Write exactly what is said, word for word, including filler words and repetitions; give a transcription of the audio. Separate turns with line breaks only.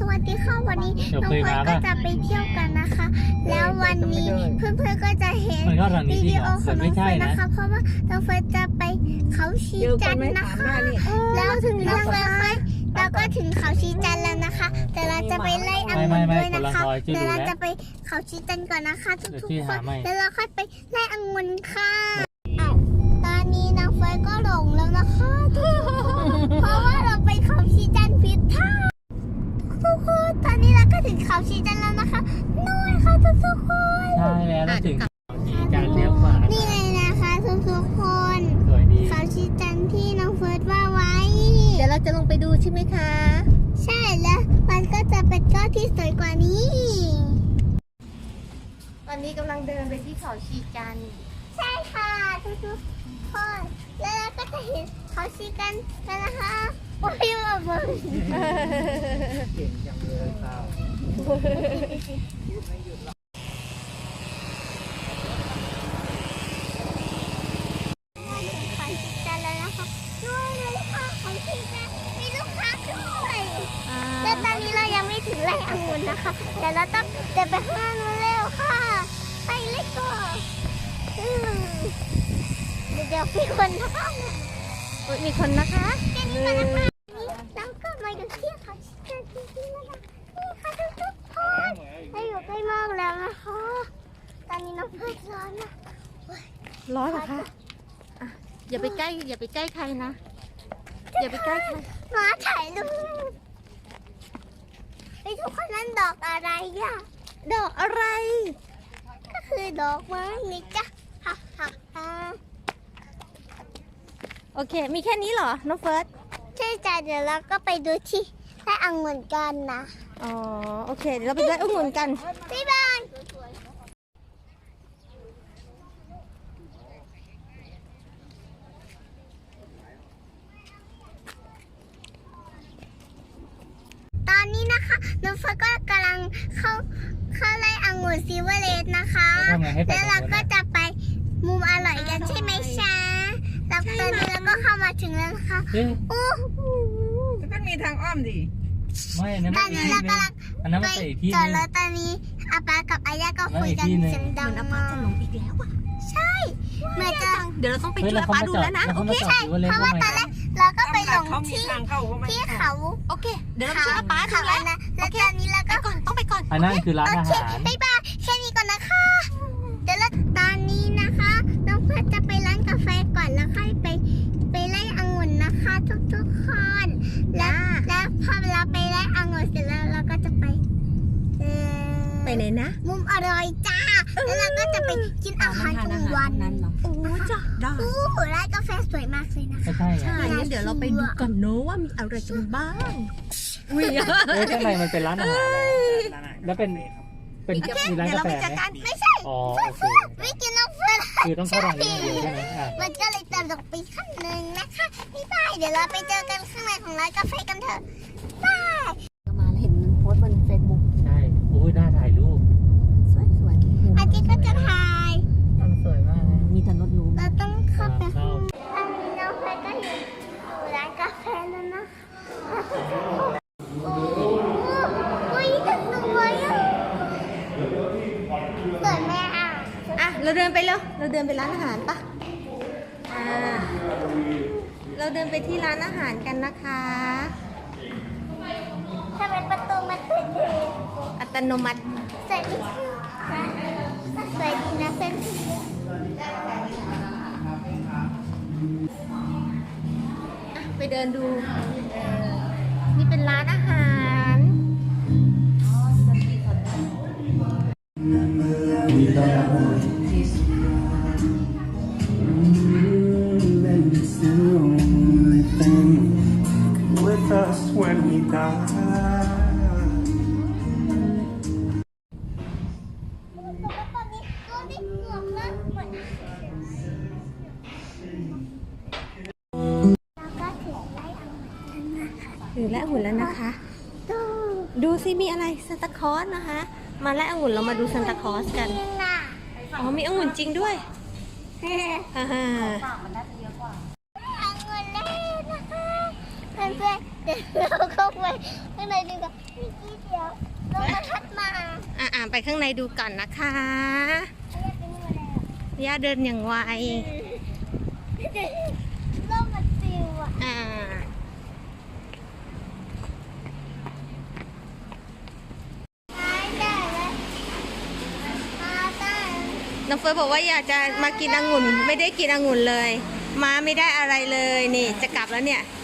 วัสดีค่ะวันนี้น้องเฟิร์นก็จะไปเที่ยวกันนะคะ แล้ววันนี้เพื่อนๆก็จะเห็นวิดีโอของน้องเฟิร์นนะคะเพราะว่าน้องเฟิร์นจะไปเขาชีจันทร์นะคะแล้วถึงน้องเฟิร์นค่อยแล้วก็ถึงเขาชีจันทร์แล้วนะคะแต่เราจะไปไล่องุ่นด้วยนะคะแต่เราจะไปเขาชีจันทร์ก่อนนะคะทุกๆคนแล้วเราค่อยไปไล่องุ่นค่ะอ้าวตอนนี้น้องเฟิร์นก็หลงแล้วนะคะทุกคนเพราะว่าเราไปเขาชีจันทร์ผิดทางทุกคนตอนนี้เราก็ถึงเขาชีจันทร์แล้วนะคะนู่นค่ะทุกๆคน
ใช่แล้วเราถึงเขาชีจันทร์เลี้ยวขวา
นี่ไงนะคะทุกๆคน
สวยดี
เขาชีจันทร์ที่น้องเฟิร์สว่าไว้
เดี๋ยวเราจะลงไปดูใช่ไหมคะ
ใช่แล้วมันก็จะเป็นก้อนที่สวยกว่านี้
ตอนนี้กำลังเดินไปที่เขาชีจันทร์
ใช่ค่ะทุกๆคนแล้วเราก็จะเห็นเขาชีจันทร์แล้วนะคะโอ้ยแบบเ
ก่งจังเลยครับ
เขาชีจันทร์แล้วนะคะด้วยเลยค่ะเขาชีจันทร์มีลูกค้าด้วยแล้วตอนนี้เรายังไม่ถึงไร่องุ่นนะคะแต่เราต้องเดินไปข้างหน้านู้นแล้วค่ะไปเลยก่อนเดี๋ยวมีคนนะคะ
มีคนนะคะ
แค่นี้ก่อนนะคะเราก็มาอยู่ที่เขาชีจันทร์จริงๆแล้วนะนี่ค่ะทุกๆคนเราอยู่ใกล้มากแล้วนะคะตอนนี้น้องเพื่อนร้อนนะ
ร้อนเหรอคะอ่ะอย่าไปใกล้อย่าไปใกล้ใครนะอย่าไปใกล้ใคร
มาถ่ายรูปไอ้ทุกคนนั่นดอกอะไรอ่ะ
ดอกอะไร
ก็คือดอกไม้นี่จ้ะฮ่าฮ่าฮ่า
โอเคมีแค่นี้เหรอน้องเฟิร์ส
ใช่จ้ะเดี๋ยวเราก็ไปดูที่ไร่องุ่นกันนะ
อ๋อโอเคเดี๋ยวเราไปไร่องุ่นกัน
บ๊ายบายตอนนี้นะคะน้องเฟิร์สก็กำลังเข้าเข้าไร่องุ่นซิเวอร์เลสนะคะแล้วเราก็จะไปมุมอร่อยกันใช่ไหมช้าแล้วตอนนี้เราก็เข้ามาถึงแล้วนะคะโอ้โห
ก็มีทางอ้อมดิ
ไม่อันนั้นไม่อีกที่นึงอันนั้นไม่ใช่อีกที่นึง
แล้วตอนนี้อาปากับอาย่าก็คุยกันเสียงดังมาก
อีกแล้วอ่ะ
ใช่เหมือนจะ
เดี๋ยวเราต้องไปช่วยอาปาดูแล้วนะ
โอเค
ใช่เพราะว่าตอนแรกเราก็ไปหลงที่ที่เขา
โอเคเดี๋ยวเราช่วยอาปาดูแล้ว
นะแล้วตอนนี้เราก็
ก่อนต้องไปก่อน
อันนั้นคือร้านอาหาร
บ๊ายบายแค่นี้ก่อนนะคะเดี๋ยวเราตอนนี้นะคะน้องเพื่อนจะไปร้านกาแฟก่อนแล้วค่อยไปไปไล่องุ่นนะคะทุกๆคนแล้วแล้วพอเราไปไล่องุ่นเสร็จแล้วเราก็จะไป
ไปไหนนะ
มุมอร่อยจ้าแล้วเราก็จะไปกินอาหารกลางวัน
นั้นเนาะโอ้จ้าได้
โอ้ร้านกาแฟสวยมากเลยนะคะ
ใช่
งั้นเดี๋ยวเราไปดูกันเนอะว่ามีอะไรกันบ้าง
อุ้ยเฮ้ยข้างในมันเป็นร้านอาหารแล้วเป็นเป็นมีร้านกาแฟไหม
ไม่ใช่
อ๋อโอเค
ไม่กินน้ำเฟื่อง
คือต้องเข้าทางนี้เดียวใช่ไหม
มันก็เลยตลกไปขั้นหนึ่งนะคะพี่ป้ายเดี๋ยวเราไปเจอกันข้างในของร้านกาแฟกันเถอะบาย
มาเห็นโพสต์บนเฟซบุ๊ก
ใช่โอ้ยน่าถ่ายรูป
สวยสวย
อาทิตย์ก็จะถ่าย
ทำสวยมากเลย
มีถนนนู้น
เราต้องเข้าไปอันนี้น้องเฟยก็อยู่ร้านกาแฟแล้วนะโอ้ยสวยอ่ะสวยแม่อ่ะ
อ่ะเราเดินไปเร็วเราเดินไปร้านอาหารปะอ่าเราเดินไปที่ร้านอาหารกันนะคะ
ทำไมประตูมันเปิดเอง
อัตโนมัติ
สวยดีสวยดีนะเพื่อน
ไปเดินดูนี่เป็นร้านอาหาร
with us when we die
ถึงและองุ่นแล้วนะคะดูซิมีอะไรซานตาคลอสนะคะมาและองุ่นเรามาดูซานตาคลอสกันอ๋อมีองุ่นจริงด้วยฮ่าฮ่า
องุ่นเล่นนะคะเพื่อนเดี๋ยวเราเข้าไปข้างในดีกว่าพี่กี้เดี๋ยวลมมันพัดมา
อ่าไปข้างในดูก่อนนะคะ
เรียกเป็นอะไรอ่ะ
ย่าเดินอย่างไว
ลมมันปิวอ่ะ
อ่า
มาได้แล้วมาได้
น้องเฟิร์สบอกว่าอยากจะมากินองุ่น ไม่ได้กินองุ่นเลย มาไม่ได้อะไรเลยนี่จะกลับแล้วเนี่ย